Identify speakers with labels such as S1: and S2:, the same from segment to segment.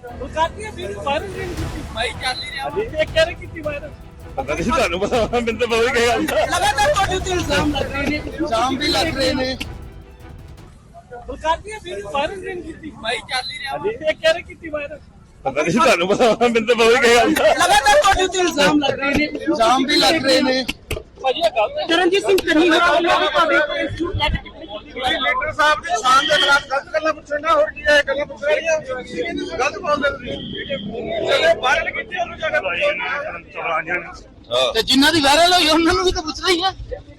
S1: ਬਲਕਾਨੀਆਂ ਵੀ viral ਨਹੀਂ ਕੀਤੀ ਭਾਈ ਚੱਲ ਹੀ ਰਿਹਾ ਇਹ ਕਹਿ ਰਹੇ ਕੀਤੀ ਵਾਇਰਲ
S2: ਪਤਾ ਨਹੀਂ ਤੁਹਾਨੂੰ ਪਤਾ ਮੈਨੂੰ ਤਾਂ ਪਤਾ ਹੀ ਗੱਲ ਦਾ
S1: ਲਗਾਤਾਰ ਤੁਹਾਡੇ ਉੱਤੇ ਇਲਜ਼ਾਮ ਲੱਗ ਰਹੇ ਨੇ
S3: ਇਲਜ਼ਾਮ ਵੀ ਲੱਗ ਰਹੇ ਨੇ।
S1: ਬਲਕਾਨੀਆਂ ਵੀ ਵਾਇਰਲ ਨਹੀਂ ਕੀਤੀ ਭਾਈ ਚੱਲ ਹੀ ਰਿਹਾ ਇਹ ਕਹਿ ਰਹੇ ਕੀਤੀ ਵਾਇਰਲ
S2: ਪਤਾ ਨਹੀਂ ਤੁਹਾਨੂੰ ਪਤਾ ਮੈਨੂੰ ਤਾਂ ਪਤਾ ਹੀ ਗੱਲ ਦਾ
S1: ਲਗਾਤਾਰ ਤੁਹਾਡੇ ਉੱਤੇ ਇਲਜ਼ਾਮ ਲੱਗ ਰਹੇ ਨੇ
S3: ਇਲਜ਼ਾਮ ਵੀ ਲੱਗ ਰਹੇ ਨੇ।
S1: ਭਾਜੀ ਇਹ ਗੱਲ ਚਰਨਜੀਤ ਸਿੰਘ ਚੰਨੀ ਹੋਰਾਂ ਵੱਲੋਂ ਵੀ ਤੁਹਾਡੇ ਉੱਤੇ ਇੰਸਟੀਚਿਊਟ ਲੈ ਕੇ
S2: ਤੁਸੀਂ ਲੀਡਰ ਸਾਹਿਬ ਦੀ ਸ਼ਾਨ ਦੇ ਖਿਲਾਫ ਗਲਤ ਗੱਲਾਂ ਪੁੱਛਣਾ ਹੋਰ ਕੀ ਹੈ ਗੱਲਾਂ ਪੁੱਛ ਰਹੀਆਂ ਗਲਤ ਬੋਲਦੇ ਤੁਸੀਂ ਜਿਹੜੇ ਵਾਇਰਲ ਕੀਤੇ ਉਹਨੂੰ ਜਗ੍ਹਾ
S3: ਤੇ ਜਿਨ੍ਹਾਂ ਦੀ ਵਾਇਰਲ ਹੋਈ ਉਹਨਾਂ ਨੂੰ ਵੀ ਤਾਂ ਪੁੱਛਣਾ ਹੀ ਹੈ।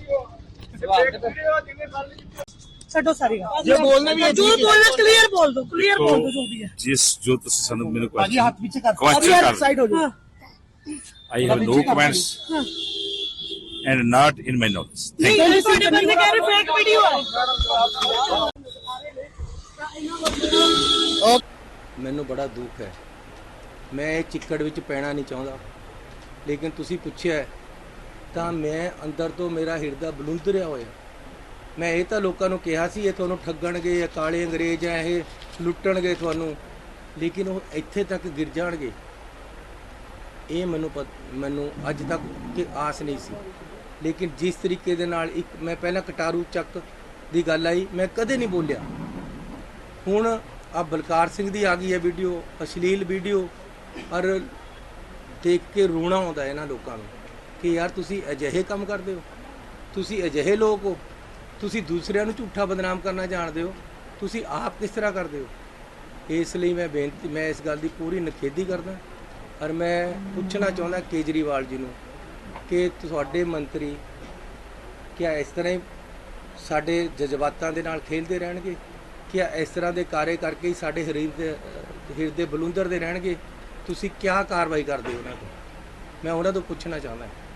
S1: ਛੱਡੋ ਸਾਰੀ ਗੱਲ
S3: ਜੇ ਬੋਲਣਾ ਵੀ ਹੈ
S1: ਜੋ ਬੋਲਣਾ ਕਲੀਅਰ ਬੋਲ ਦੋ ਜੋ ਵੀ ਹੈ
S4: ਜਿਸ ਜੋ ਤੁਸੀਂ ਸਾਨੂੰ ਮੈਨੂੰ
S3: ਭਾਜੀ ਹੱਥ ਪਿੱਛੇ ਕਰ
S4: question ਕਰ
S1: ਸਾਈਡ ਹੋ ਜਾਓ
S4: I have no comments and not in my notes. Thank
S1: ਨਹੀਂ ਤੁਹਾਡੇ ਬੰਦੇ ਕਹਿ ਰਹੇ ਫੇਕ ਵੀਡੀਓ ਹੈ
S5: ਮੈਨੂੰ ਬੜਾ ਦੁੱਖ ਹੈ। ਮੈਂ ਇਹ ਚਿੱਕੜ ਵਿੱਚ ਪੈਣਾ ਨਹੀਂ ਚਾਹੁੰਦਾ, ਲੇਕਿਨ ਤੁਸੀਂ ਪੁੱਛਿਆ ਤਾਂ ਮੈਂ ਅੰਦਰ ਤੋਂ ਮੇਰਾ ਹਿਰਦਾ ਬਲੁੰਦਰਿਆ ਹੋਇਆ। ਮੈਂ ਇਹ ਤਾਂ ਲੋਕਾਂ ਨੂੰ ਕਿਹਾ ਸੀ ਇਹ ਤੁਹਾਨੂੰ ਠੱਗਣਗੇ, ਇਹ ਕਾਲੇ ਅੰਗਰੇਜ਼ ਆ, ਇਹ ਲੁੱਟਣਗੇ ਤੁਹਾਨੂੰ, ਲੇਕਿਨ ਉਹ ਇੱਥੇ ਤੱਕ ਗਿਰ ਜਾਣਗੇ ਇਹ ਮੈਨੂੰ ਅੱਜ ਤੱਕ ਕਿ ਆਸ ਨਹੀਂ ਸੀ। ਲੇਕਿਨ ਜਿਸ ਤਰੀਕੇ ਦੇ ਨਾਲ ਇੱਕ ਮੈਂ ਪਹਿਲਾਂ ਕਟਾਰੂ ਚੱਕ ਦੀ ਗੱਲ ਆਈ, ਮੈਂ ਕਦੇ ਨਹੀਂ ਬੋਲਿਆ। ਹੁਣ ਆ ਬਲਕਾਰ ਸਿੰਘ ਦੀ ਆ ਗਈ ਹੈ ਵੀਡੀਓ, ਅਸ਼ਲੀਲ ਵੀਡੀਓ, ਔਰ ਦੇਖ ਕੇ ਰੋਣਾ ਆਉਂਦਾ ਇਹਨਾਂ ਲੋਕਾਂ ਨੂੰ ਕਿ ਯਾਰ ਤੁਸੀਂ ਅਜਿਹੇ ਕੰਮ ਕਰਦੇ ਹੋ, ਤੁਸੀਂ ਅਜਿਹੇ ਲੋਕ ਹੋ, ਤੁਸੀਂ ਦੂਸਰਿਆਂ ਨੂੰ ਝੂਠਾ ਬਦਨਾਮ ਕਰਨਾ ਜਾਣਦੇ ਹੋ, ਤੁਸੀਂ ਆਪ ਕਿਸ ਤਰ੍ਹਾਂ ਕਰਦੇ ਹੋ। ਇਸ ਲਈ ਮੈਂ ਇਸ ਗੱਲ ਦੀ ਪੂਰੀ ਨਿਖੇਧੀ ਕਰਦਾ। ਔਰ ਮੈਂ ਪੁੱਛਣਾ ਚਾਹੁੰਦਾ ਕੇਜਰੀਵਾਲ ਜੀ ਨੂੰ ਕਿ ਤੁਹਾਡੇ ਮੰਤਰੀ ਕਿਆ ਇਸ ਤਰ੍ਹਾਂ ਹੀ ਸਾਡੇ ਜਜ਼ਬਾਤਾਂ ਦੇ ਨਾਲ ਖੇਡਦੇ ਰਹਿਣਗੇ? ਕਿਆ ਇਸ ਤਰ੍ਹਾਂ ਦੇ ਕਾਰੇ ਕਰਕੇ ਹੀ ਸਾਡੇ ਹਿਰਦੇ ਬਲੁੰਦਰਦੇ ਰਹਿਣਗੇ? ਤੁਸੀਂ ਕਿਆ ਕਾਰਵਾਈ ਕਰਦੇ ਹੋ ਉਹਨਾਂ ਤੋਂ? ਮੈਂ ਉਹਨਾਂ ਤੋਂ ਪੁੱਛਣਾ ਚਾਹੁੰਦਾ।